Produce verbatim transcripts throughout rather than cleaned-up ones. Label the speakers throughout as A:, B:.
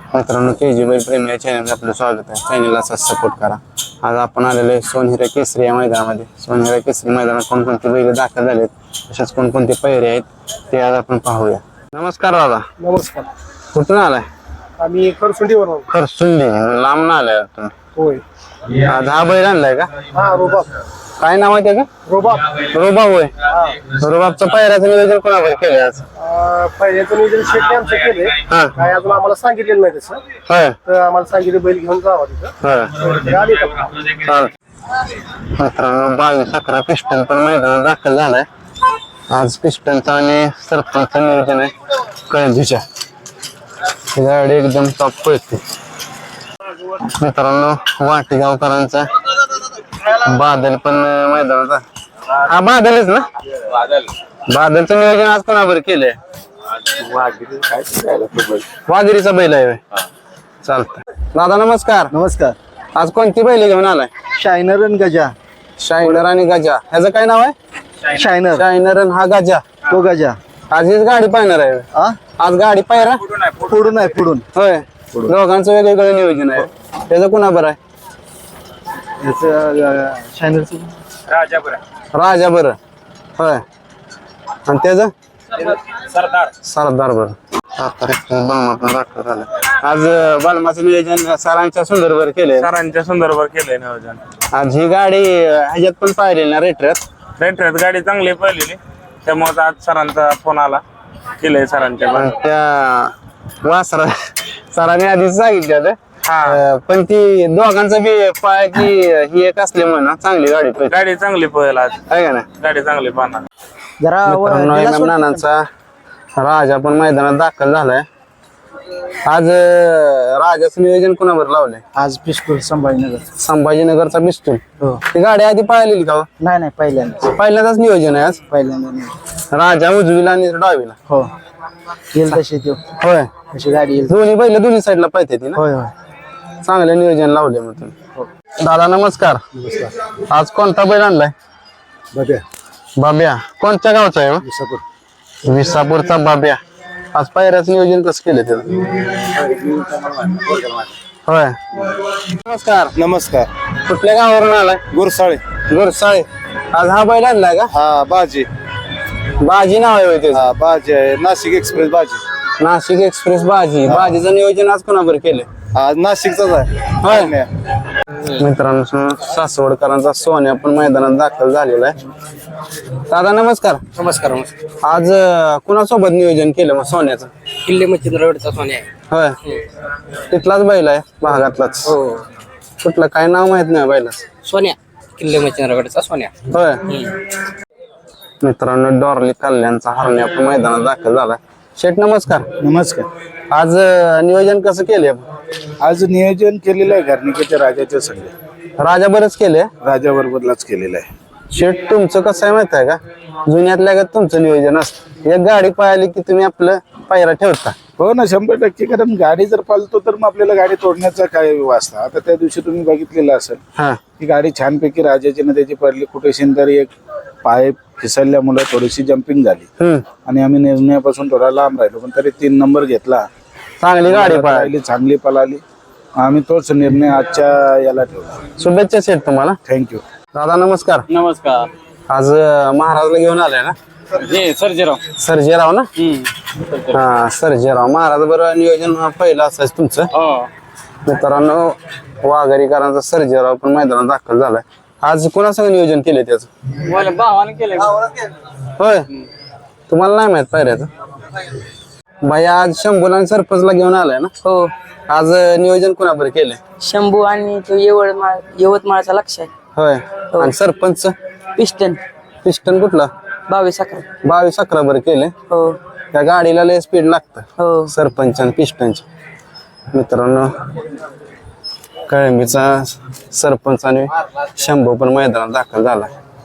A: मित्रांनो के जी बैल प्रेमी या चॅनलला आपलं स्वागत आहे. चॅनलला सपोर्ट करा. आज आपण आलेलो आहे सोनहिरा केसरी या मैदानामध्ये. सोनहिरा केसरी मैदानात कोणकोणते बैल दाखल झालेत, तसेच कोणकोणते पैरे आहेत ते आज आपण पाहूया. नमस्कार दादा.
B: नमस्कार.
A: कुठून आलाय?
B: आम्ही खरसुंडीवर आहोत.
A: खरसुंडी लांब ना आलाय तुम्ही?
B: होय.
A: आज हा बैल आणलाय का?
B: हा रोबाब.
A: काय नाव आहे त्याचं?
B: रोबाब.
A: रोबाब होय. रोबाबचं पैऱ्याचं नियोजन कोणावर केलंय आज?
B: पहिल्याचं नियोजन शेटने आमचं केलंय.
A: हा
B: काय अजून आम्हाला सांगितलेलं नाही तसं.
A: होय
B: तर आम्हाला सांगितलं बैल घेऊन जावा तिथं.
A: होय
B: तर आले का?
A: चालेल. मित्रांनो बावीस अकरा पिस्टन पण मैदानात दाखल झालाय. आज पिस्टनचं आणि सरपंचचं नियोजन आहे कळंजीच्या. ही गाडी एकदम टॉप पळते. मित्रांनो वाटेगावकरांचा बादल पण मैदानात आहे. हा बादलच ना? बादलचं नियोजन आज कोणावर केलंय? वाघिरीचा बैल आहे. चालतंय दादा नमस्कार.
B: नमस्कार.
A: आज कोणती बैल घेऊन आलाय?
B: शायनर आणि गजा.
A: शायनर आणि गजा. ह्याचं काय नाव आहे?
B: शायनर.
A: शायनर आणि हा गजा.
B: तो गजा.
A: आज हीच गाडी पाहणार आहे.
B: हा
A: आज गाडी पाहिरा
B: पुढून आहे पुढून.
A: होय. दोघांचं वेगवेगळं नियोजन आहे. त्याचं कुणा बरं आहे?
B: शायनरचं
A: राजा बरं. होय. आणि त्याचं
B: सरदार.
A: सरदार बरं. आज बालमाचं नियोजन सरांच्या सुंदरवर केलंय.
C: सरांच्या सुंदरवर केलंय नियोजन.
A: आज ही गाडी ह्याच्यात पण पाहिली ना रेट्रेत?
C: रेंटरेत गाडी चांगली पळलेली, त्यामुळे आज सरांचा फोन आला, केलंय सरांच्या.
A: पण त्या वासरा सरांनी आधीच सांगितलं
C: हा
A: पण ती दोघांचं बी पायाची ही एक असल्यामुळे ना चांगली गाडी पळते.
C: गाडी चांगली पळेल आज.
A: आहे का ना?
C: गाडी चांगली पाहणार.
B: जरा
A: मित्रांनो एम नानांचा राजा पण मैदानात दाखल झालाय. आज राजाचं नियोजन कोणावर लावलंय?
B: आज पिस्तूल संभाजीनगर.
A: संभाजीनगरचा पिस्तूल.
B: हो.
A: ती गाडी आधी पळालेली का?
B: नाही नाही पहिल्यांदा.
A: पहिल्यांदाच नियोजन आहे आज.
B: पहिल्यांदा.
A: राजा उजवीला आणि डावीला.
B: हो. येईल तशी तो.
A: होय.
B: अशी गाडी येईल.
A: दोन्ही बैल दोन्ही साईडला पाहिजे ती ना?
B: होय होय.
A: चांगले नियोजन लावले मग तुम्ही. दादा नमस्कार. आज कोणता बैल आणलाय?
B: बघा.
A: बाब्या. कोणत्या गावचा आहे?
B: विसापूर.
A: विसापूरचा बाब्या. आज पायऱ्याचं नियोजन कसं केलं त्याचं? होय. नमस्कार.
B: नमस्कार.
A: कुठल्या गावावरून आलाय?
B: गुरसाळे.
A: गुरसाळे. आज हा बैल आणलाय का?
B: हा बाजी.
A: बाजी नाव आहे होय त्याचं?
B: हा बाजी आहे. नाशिक एक्सप्रेस बाजी.
A: नाशिक एक्सप्रेस बाजी. बाजीचं नियोजन आज कोणाबर केलंय?
B: आज नाशिकचाच आहे.
A: होय. मित्रांनो सासवडकरांचा सोन्या पण मैदानात दाखल झालेला आहे. दादा नमस्कार.
B: नमस्कार.
A: आज कुणासोबत नियोजन केलं मग सोन्याचं?
D: किल्ले मच्छिंद्रगडचा सोन्या आहे.
A: होय. तिथलाच बैल आहे भागातलाच?
D: हो.
A: कुठलं काय नाव माहित नाही बैलाच?
D: सोन्या. किल्ले मच्छिंद्रगडचा सोन्या.
A: होय. मित्रांनो डॉर्ली कल्याणचा हरण्या पण मैदानात दाखल झालाय. शेठ नमस्कार.
B: नमस्कार.
A: आज नियोजन कसं केले?
B: आज नियोजन केलेलं आहे घरनिकेच्या राजाच्या संघ.
A: राजा बरंच केले.
B: राजा बरोबरलाच केलेलं आहे.
A: शेठ तुमचं कसं आहे माहित आहे का? जुन्यातल्या गत तुमचं नियोजन असतं. एक गाडी पाहिली की तुम्ही आपलं पायरा ठेवता.
B: हो ना शंभर टक्के. कारण गाडी जर पालतो तर मग आपल्याला गाडी तोडण्याचा काय वाचता. आता त्या दिवशी तुम्ही बघितलेलं असेल
A: हा
B: की गाडी छानपैकी राजाची ना त्याची पडली कुठे तरी एक पाय फिसलल्यामुळे थोडीशी जम्पिंग झाली
A: हम्म
B: आणि आम्ही निर्णयापासून थोडा लांब राहिलो, पण तरी तीन नंबर घेतला.
A: चांगली गाडी पाहिली.
B: पाहिली चांगली पळाली. आम्ही तोच निर्णय आजच्या याला ठेवला.
A: शुभेच्छा शेठ तुम्हाला.
B: थँक्यू.
A: दादा नमस्कार.
D: नमस्कार.
A: आज महाराजला घेऊन आलाय ना?
D: हे सर्जेराव.
A: सर्जेराव ना? हा सर्जेराव महाराज. बरं नियोजन पहिलं असायचं तुमचं.
D: हो.
A: मित्रांनो वाघारीकरांचा सर्जेराव पण मैदानात दाखल झालाय. आज कोणासंग नियोजन केलंय त्याचं?
D: मला भावाने केलंय.
A: होय. तुम्हाला नाही माहित पायऱ्याचं? बाई आज शंभूला सरपंचला घेऊन आलाय ना?
D: हो.
A: आज नियोजन कोणाबर केलंय?
D: शंभू आणि तो यवतमाळ यवतमाळचा लक्ष आहे.
A: होय. आणि सरपंच
D: पिस्टन.
A: पिस्टन कुठला?
D: बावीस अकरा.
A: बावीस अकरा बर केले.
D: हो.
A: त्या गाडीला लय स्पीड लागतं.
D: हो.
A: सरपंच आणि पिस्टनची. मित्रांनो कळंबीचा सरपंच आणि शंभू पण मैदानात दाखल झाला.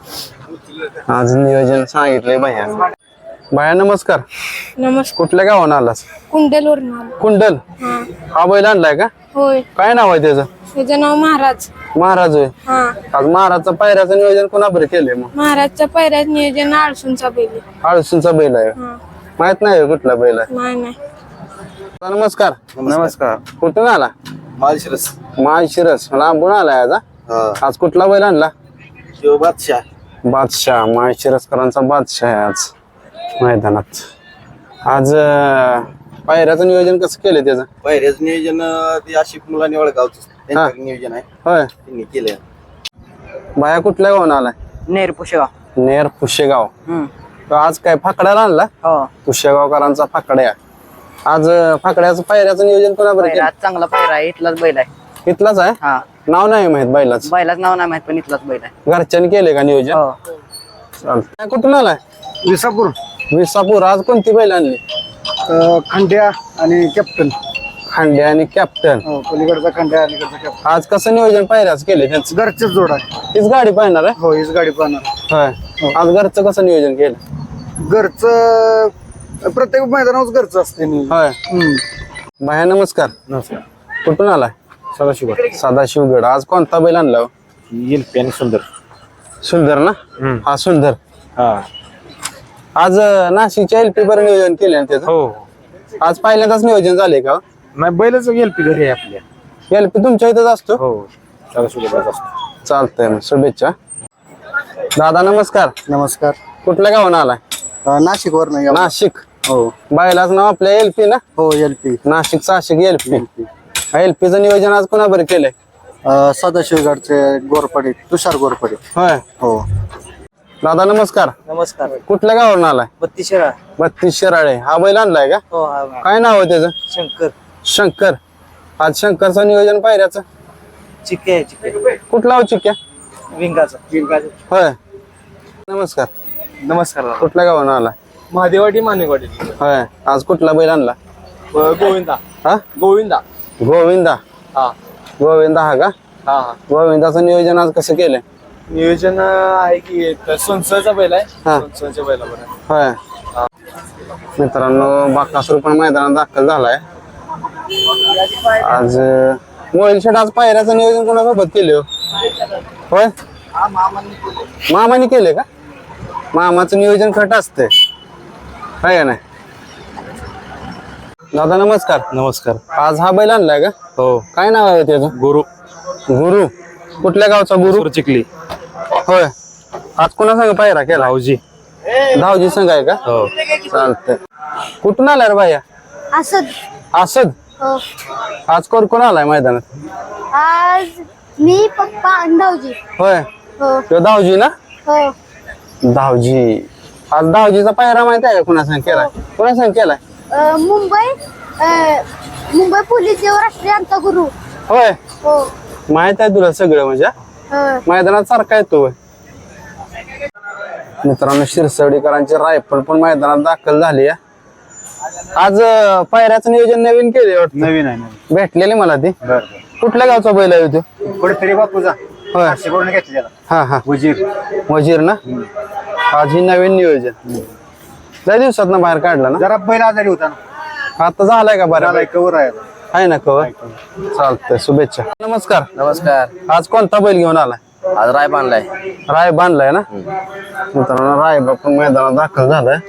A: आज नियोजन सांगितलंय भैया. भैया नमस्कार.
E: नमस्कार.
A: कुठल्या गावानं आलास?
E: कुंडलवरून आलो.
A: कुंडल.
E: हा.
A: हा बैल आणलाय का?
E: होय.
A: काय नाव आहे त्याचं?
E: त्याचं नाव महाराज.
A: महाराज होय.
E: हा.
A: आज महाराजचा पायऱ्याचं नियोजन कोणाबर केलंय मग?
E: महाराजच्या पैऱ्यात नियोजन आळसूनचा बैल.
A: आळसूंचा बैल आहे.
E: हा.
A: माहित नाही होय कुठला बैल आहे?
E: नाही नाही.
A: नमस्कार.
B: नमस्कार.
A: कुठून आला?
B: माळशिरस.
A: माळशिरस लांबून आलाय आज हा? आज कुठला बैल आणला?
B: बादशाह.
A: बादशाह. माळशिरसकरांचा बादशाह आहे आज मैदानात. आज अं, पायऱ्याचं नियोजन कसं केलं त्याचं?
B: पहिल्याच नियोजन ते आशिफ मुलांनी ओळखावचं त्यांच्याकडे नियोजन आहे
A: होय.
B: त्यांनी केलं.
A: बाया कुठल्या गावून आलाय?
D: नेर पुशेगाव.
A: नेर पुशेगाव.
D: हम्म.
A: तो आज काय फाकड्याला आणला?
D: हो
A: पुशेगावकरांचा फाकड्या. आज अं, फाकड्याचं पायऱ्याचं नियोजन कोणाबरोबर केलं?
D: आज चांगला पायरा आहे, इथलाच बैल आहे.
A: इथलाच आहे?
D: हा
A: नाव नाही माहित बैलाच.
D: बैलाच नाव नाही माहित पण इथलाच बैल आहे.
A: घरच्यांनी केले का नियोजन?
D: हो
A: चालतंय. कुठून आलाय?
B: विसापूर.
A: विसापूर. आज कोणती बैल आणली?
B: खंड्या आणि कॅप्टन.
A: खांडे आणि कॅप्टन.
B: हो पलीकडचा खंड्या अलीकडचा कॅप्टन.
A: आज कसं नियोजन पायऱ्याच केले त्यांचं?
B: घरचेच जोड आहे.
A: हीच गाडी पाहणार आहे?
B: हो हीच गाडी पाहणार.
A: होय. आज घरचं कसं नियोजन केलं?
B: घरचं प्रत्येक मैदानावर घरचं असते.
A: होय. बाया नमस्कार.
B: नमस्कार.
A: कुठून आलाय?
B: सदाशिव.
A: सदाशिवगड. आज कोणता बैल आणला?
B: एलपी आणि सुंदर.
A: सुंदर ना? हा सुंदर.
B: हा.
A: आज अं, नाशिकच्या एलपी बर नियोजन केले ना त्याचं?
B: हो.
A: आज पहिल्यांदाच नियोजन झाले का?
B: नाही बैलच एलपी घरी आहे आपल्या.
A: एलपी तुमच्या इथंच असतो?
B: हो सदाशिवगडलाच असतो.
A: चालतंय मग. शुभेच्छा. दादा नमस्कार.
B: नमस्कार.
A: कुठल्या गावून आलाय?
B: नाशिक वर नाही.
A: नाशिक.
B: हो.
A: बायलाच नाव आपल्या एलपी ना?
B: हो एलपी.
A: नाशिक साशिक एलपी. एलपीचं नियोजन आज कोणाबरोबर केलंय?
B: सदाशिवगडचे गोरपडे तुषार गोरपडे.
A: होय.
B: हो.
A: दादा नमस्कार.
D: नमस्कार.
A: कुठल्या गावावरून आलाय?
D: बत्तीस शिराळ.
A: बत्तीस शिराळे. हा बैल आणलाय का?
D: हो हा
A: काय नाव आहे त्याचं?
D: शंकर.
A: शंकर. आज शंकरचं नियोजन पायऱ्याचं
D: चिक्के आहे चिक्के.
A: कुठला हो चिक्या?
D: विंगाचा. विंगाचा.
A: होय. नमस्कार.
B: नमस्कार.
A: कुठल्या गावावरून आलाय?
B: महादेवाडी मानेवाडी.
A: होय. आज कुठला बैल आणला?
B: गोविंदा.
A: हा?
B: गोविंदा.
A: गोविंदा.
B: हा.
A: गोविंदा हा का?
B: हा हा.
A: गोविंदाचं नियोजन आज कसं केलंय?
B: नियोजन आहे की सोनसळचा बैल आहे.
A: हा.
B: सोनसळच्या बैलावर.
A: होय. मित्रांनो बाकासूर पण मैदानात दाखल झालाय आज. मोबाईल शेट आज पायऱ्याचं नियोजन कोणासोबत केले हो? होय. मामाने केले का? मामाचं नियोजन खट असते काय नाही? दादा नमस्कार.
B: नमस्कार.
A: आज हा बैल आणलाय का?
B: हो.
A: काय नाव आहे त्याचं?
B: गुरु.
A: गुरु. कुठल्या गावचा गुरु?
B: चिखली.
A: होय. आज कोणा संग पायरा केला?
B: भाऊजी.
A: धावजी संघ आहे का?
B: हो.
A: चालतंय. कुठून आलाय रे बाया?
E: असद.
A: असद.
E: हो.
A: आज कोण कोण आलाय मैदानात?
E: आज मी पप्पा आणि भाऊजी.
A: होय.
E: हो
A: तो धावजी ना?
E: हो.
A: धावजी. आज धावजीचा पायरा माहिती आहे का कुणा संग केलाय? कुणा संग केलाय?
E: अ, मुंबई अ, मुंबई पोलीस देव राष्ट्रीयांचा गुरु.
A: होय.
E: हो.
A: माहित आहे तुला सगळं म्हणजे?
E: हो.
A: मैदानात सारखा येतो होय. मित्रांनो शिरसवडीकरांची रायफल पण मैदानात दाखल झाली आहे. आज अं, पायऱ्याचं नियोजन नवीन केले वाटतं?
B: नवीन आहे.
A: भेटलेली मला ती.
B: बर.
A: कुठल्या गावचा बैल आहे तो?
B: कुठेतरी बापूजा.
A: होय.
B: शिकवून घेतली त्याला.
A: हा हा.
B: वजीर.
A: वजीर ना? आज ही नवीन नियोजन लय दिवसात ना बाहेर काढला ना?
B: जरा बैल आजारी होता ना.
A: आता झालाय का बरं?
B: झालाय कवर आहे.
A: आहे ना कवर? चालतंय. शुभेच्छा. नमस्कार.
D: नमस्कार.
A: आज कोणता बैल घेऊन आलाय?
D: आज राय बांधलाय.
A: राय बांधलाय ना? मित्रांनो रायबा पण मैदानात दाखल झालाय.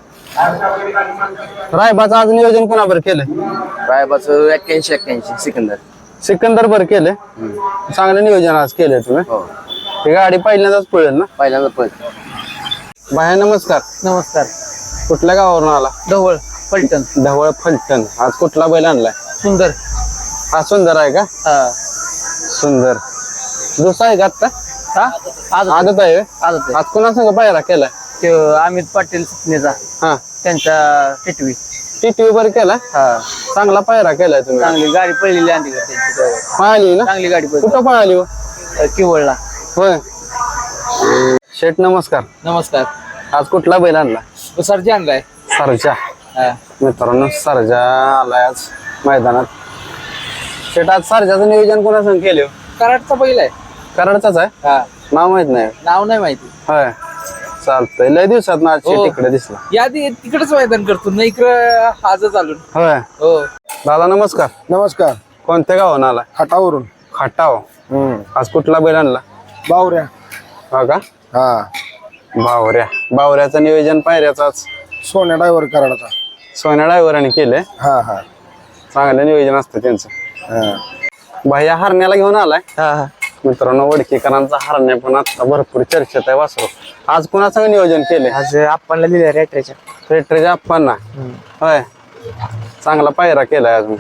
A: रायबाचं आज नियोजन कोणाबर केलंय?
D: रायबाचं एक्क्याऐंशी एक्क्याऐंशी सिकंदर.
A: सिकंदर बर केलंय. चांगलं नियोजन आज केलंय तुम्ही.
D: हो.
A: ही गाडी पहिल्यांदाच पळेल ना?
D: पहिल्यांदा पण.
A: बाया नमस्कार.
D: नमस्कार.
A: कुठल्या गावावरून आला?
D: ढवळ पलटण.
A: ढवळ फलटण. आज कुठला बैल आणलाय?
D: सुंदर.
A: हा सुंदर आहे का?
D: हा.
A: सुंदर. दुसरा आहे का आता?
D: हा? आज
A: आदत आहे.
D: आज
A: आज कोणा संग पायरा केलाय?
D: ते अमित पाटील सुपनेचा
A: हा.
D: त्यांचा टिटवी.
A: टीटी वर केलाय.
D: हा.
A: चांगला पायरा केलाय तुम्ही.
D: चांगली गाडी पळलेली आणली का त्यांची.
A: पळाली ना?
D: चांगली गाडी पळली.
A: कुठं पळाली हो?
D: किवळला.
A: होय. शेठ नमस्कार.
D: नमस्कार.
A: आज कुठला बैल आणला?
D: सरजी आणलाय.
A: सरजा.
D: हा.
A: मित्रांनो सरजा आलाय आज मैदानात. शेठ आज सरजाचं नियोजन कोणा संग केले?
D: कराडचा बैल आहे.
A: कराडचाच आहे.
D: हा.
A: नाव माहित नाही.
D: नाव नाही माहिती.
A: होय. चालतंय. लय दिवसात ना आज
D: हो.
A: शेठ इकडे दिसला.
D: या तिकडेच मैदान करतो ना इकडं आज चालून.
A: होय.
D: हो.
A: दादा नमस्कार.
B: नमस्कार.
A: कोणत्या गावानं आला?
B: खाटावरून.
A: खाटाव. आज कुठला बैल आणला?
B: बावऱ्या.
A: हा का?
B: हा.
A: बावऱ्या. बावऱ्याचं नियोजन पायऱ्याचं आज
B: सोन्या ड्रायव्हर कराडाचा.
A: सोन्या ड्रायव्हरांनी केलंय.
B: हा हा.
A: चांगलं नियोजन असतं त्यांचं. भाई हरण्याला घेऊन आलाय
D: हा हा
A: मित्रांनो. वडकीकरांचा हरण्या पण आता भरपूर चर्चेत आहे वासरू. आज कुणाचं नियोजन केले?
D: आज आपणला लिहिलं रेटरेच्या
A: रेटरेच्या आप्पांना होय. चांगला पायरा केलाय अजून.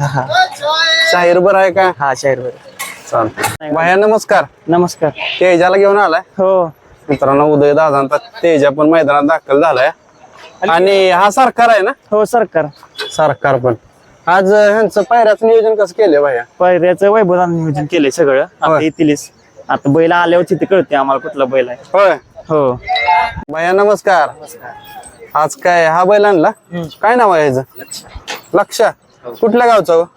A: शाहीर बरं आहे का?
D: हा शाहीर बर.
A: चालतंय. भाया नमस्कार.
D: नमस्कार.
A: तेजाला घेऊन आलाय
D: हो
A: मित्रांनो. उदय दादांचा तेजा पण मैदानात दाखल झालाय. आणि हा सरकार आहे ना?
D: हो सरकार.
A: सरकार पण आज ह्यांचं पायऱ्याचं नियोजन कसं केलं भाया?
D: पहिल्याचं वैभवान नियोजन केलंय सगळं. आता
A: होय.
D: येतीलच. आता बैल आल्यावर तिथे कळते आम्हाला कुठला बैल आहे.
A: होय.
D: हो
A: भाया नमस्कार. आज काय हा बैल आणला? काय नाव आहे ह्याचं? लक्ष. कुठल्या गावचा हो?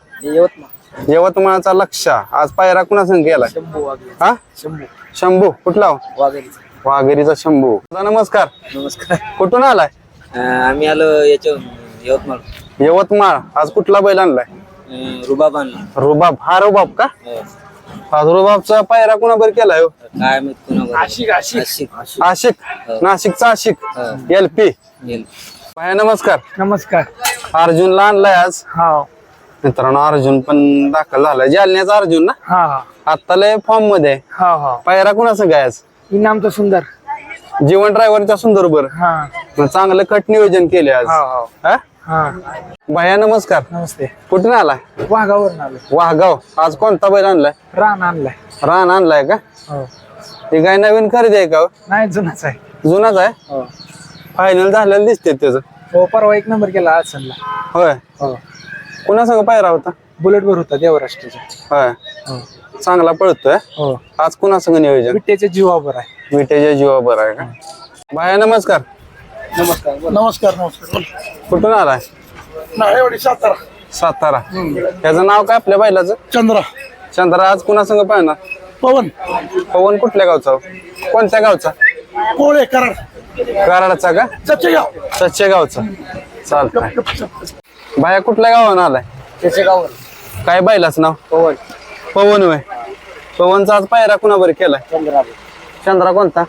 A: यवतमाळचा लक्ष. आज पायरा कुणा संग गेलाय? हा शंभू. कुठला हो? वाघेरीचा शंभू. दादा नमस्कार.
D: नमस्कार.
A: कुठून आलाय?
D: आम्ही आलो याच्या यवतमाळ.
A: यवतमाळ. आज कुठला बैल आणलाय?
D: रुबाब आणला.
A: रुबाब. हा रुबाब का? आज रुबाबचा पायरा कुणाबर केलाय हो?
D: काय माहित आशिक आशिक
A: आशिक. नाशिकचा आशिक. L P. भाया नमस्कार.
D: नमस्कार.
A: अर्जुनला आणलाय आज
D: हा
A: मित्रांनो. अर्जुन पण दाखल झालाय. जालन्याचा अर्जुन ना?
D: हा हा
A: आता लय फॉर्म मध्ये.
D: हा हा
A: पायरा कुणाचं काय आज?
D: इनामचं सुंदर.
A: जीवन ड्रायव्हरच्या सुंदर बर.
D: हा
A: चांगलं कट नियोजन केले आज. हा?
D: हा
A: भाया नमस्कार.
D: नमस्ते.
A: कुठून आलाय?
D: वाघावर आलो.
A: वाघगाव. आज कोणता बैल आणलाय?
D: रान आणलाय.
A: रान आणलाय का?
D: हो
A: हे काय नवीन खरेदी आहे का हो?
D: नाही जुनाच आहे.
A: जुनाच आहे.
D: हो
A: फायनल झालेलं दिसते त्याचं.
D: हो परवा एक नंबर केला आज सनला.
A: होय.
D: हो
A: कुणासंग पायरा होता?
D: बुलेट वर होता देवराष्ट्राच्या.
A: होय.
D: हो
A: चांगला पळतोय.
D: हो
A: आज कुणासंग नियोजन?
D: विट्याच्या जीवावर आहे.
A: विटेच्या जीवा बरं आहे का? भाया नमस्कार.
D: नमस्कार.
B: नमस्कार नमस्कार.
A: कुठून आलाय?
B: नाळेवाडी सातारा.
A: सातारा. त्याचं नाव काय आपल्या बैलाचं?
B: चंद्रा.
A: चंद्रा. आज कुणासंग पाहणार?
B: पवन
A: पवन कुठल्या गावचा? कोणत्या गावचा?
B: कोळे कराड.
A: कराडचा का?
B: चचेगाव.
A: सच्चे गावचा. चालतंय. भाया कुठल्या गावानं आलाय?
D: त्याच्या गावावर
A: काय बैलाचं नाव?
D: पवन.
A: पवन होय. पवनचा आज पायरा कुणाबर केलाय?
D: चंद्रा.
A: चंद्रा कोणता?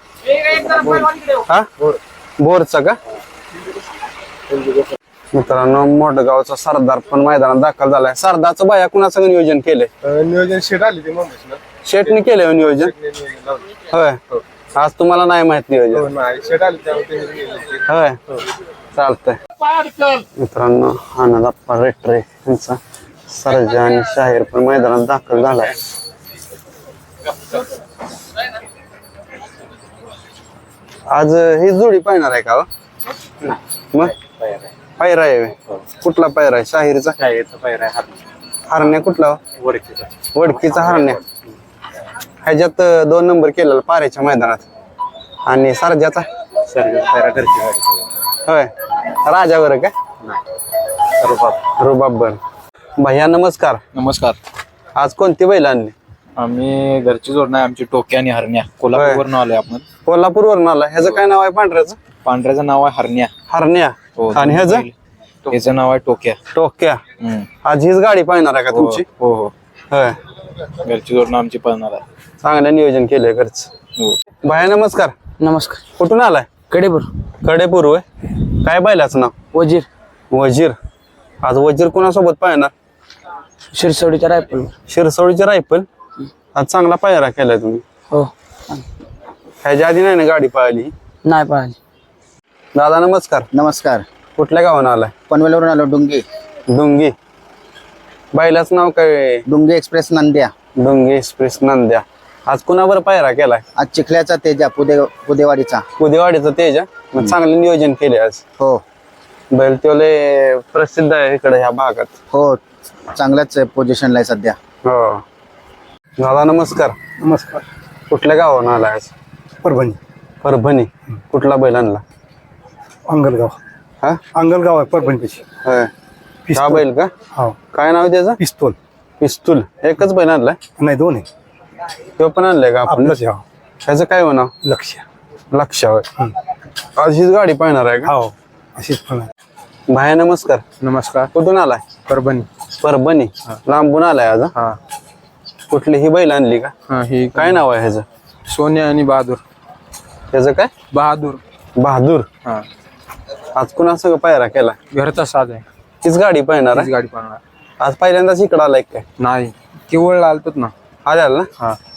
A: हा बोरचा का? मित्रांनो मोठगावचा सरदार पण मैदानात दाखल झालाय. सरदारचं बाया कुणाचं नियोजन केलंय?
B: नियोजन शेट आली ते मुंबईला.
A: शेटने केलंय नियोजन. होय. आज तुम्हाला नाही माहित नियोजन?
B: शेट आली
A: होय. चालतंय. मित्रांनो आनंदप्पा रेटरे यांचा सर्जा आणि शाहीर पण मैदानात दाखल झालाय. आज ही जोडी पाहणार आहे का हो? मग पायरा आहे व्हय. कुठला पायरा आहे? शाहीरचा. हरण्या कुठला हो? वडकीचा हरण्या. ह्याच्यात दोन नंबर केलेला पाऱ्याच्या मैदानात. आणि सरजाचा होय. राजावर का? रुबाब बर. भैया नमस्कार.
F: नमस्कार.
A: आज कोणती बैल आणली?
F: आम्ही घरची जोड नाही आमची टोक्या आणि हरण्या. कोल्हापूरवरून आलोय आपण.
A: कोल्हापूर वरून आला. ह्याचं काय नाव आहे पांढऱ्याचं?
F: पांढऱ्याचं नाव आहे हरण्या.
A: हरण्या.
F: हो.
A: आणि ह्याचं?
F: ह्याचं नाव आहे टोक्या.
A: टोक्या.
F: हम्म.
A: आज हीच गाडी पाहणार आहे का तुमची?
F: हो हो.
A: होय.
F: घरची जोडणं आमची पळणार आहे.
A: चांगलं नियोजन केलंय घरच.
F: हो.
A: भाया नमस्कार.
D: नमस्कार.
A: कुठून आलाय?
D: कडेपूर.
A: कडेपूर होय. काय बैलाचं नाव?
D: वजीर.
A: वजीर. आज वजीर कोणासोबत पाहणार?
D: शिरसवडीच्या रायफल.
A: शिरसोडीची रायफल. आज चांगला पायरा केलाय तुम्ही.
D: हो
A: ह्याच्या आधी नाही ना गाडी पाहिली?
D: नाही पाहिजे.
A: दादा नमस्कार.
G: नमस्कार.
A: कुठल्या गावानं आलाय?
G: पनवेलवरून आलो. डुंगी.
A: डुंगी. बैलाचं नाव काय?
G: डुंगी एक्सप्रेस नंद्या.
A: डुंगी एक्सप्रेस नंद्या. आज कुणावर पायरा केलाय?
G: आज चिखल्याचा तेजा पुदे पुदेवाडीचा.
A: उदेवाडीचं तेज. मग चांगलं नियोजन केले आज.
G: हो
A: बैल तो लय प्रसिद्ध आहे इकडे ह्या भागात.
G: हो चांगल्याच पोझिशनला आहे सध्या.
A: हो. दादा नमस्कार.
B: नमस्कार.
A: कुठल्या गावानं आलाय आज?
B: परभणी.
A: परभणी. कुठला बैल आणला?
B: अंगलगाव.
A: हा
B: अंगलगाव आहे परभणीची.
A: होय. हा बैल का?
B: हो.
A: काय नाव आहे त्याचं?
B: पिस्तूल.
A: पिस्तूल. एकच बैल आणलाय?
B: नाही दोन आहे.
A: तो पण आणलाय का आपण?
B: आपलंच आहे.
A: त्याचं काय हो नाव?
B: लक्ष.
A: लक्ष होय. आज हीच गाडी पाहणार आहे का?
B: हो अशीच पण आहे.
A: भाया नमस्कार.
F: नमस्कार.
A: कुठून आलाय?
F: परभणी.
A: परभणी. लांबून आलाय आज? हा?
F: हा
A: कुठली ही बैल आणली का?
F: हा. ही
A: काय नाव आहे ह्याचं?
F: सोन्या आणि बहादूर.
A: त्याचं काय?
F: बहादूर.
A: बहादूर.
F: हा.
A: आज कुणा सगळं पायरा केला?
F: घरचा साज आहे.
A: तीच गाडी पाहणार
F: हीच
A: आहे?
F: गाडी पळणार.
A: आज पहिल्यांदाच इकडं आलाय काय?
H: नाही केवळ आलतोच ना.
A: आले आला ना
H: हा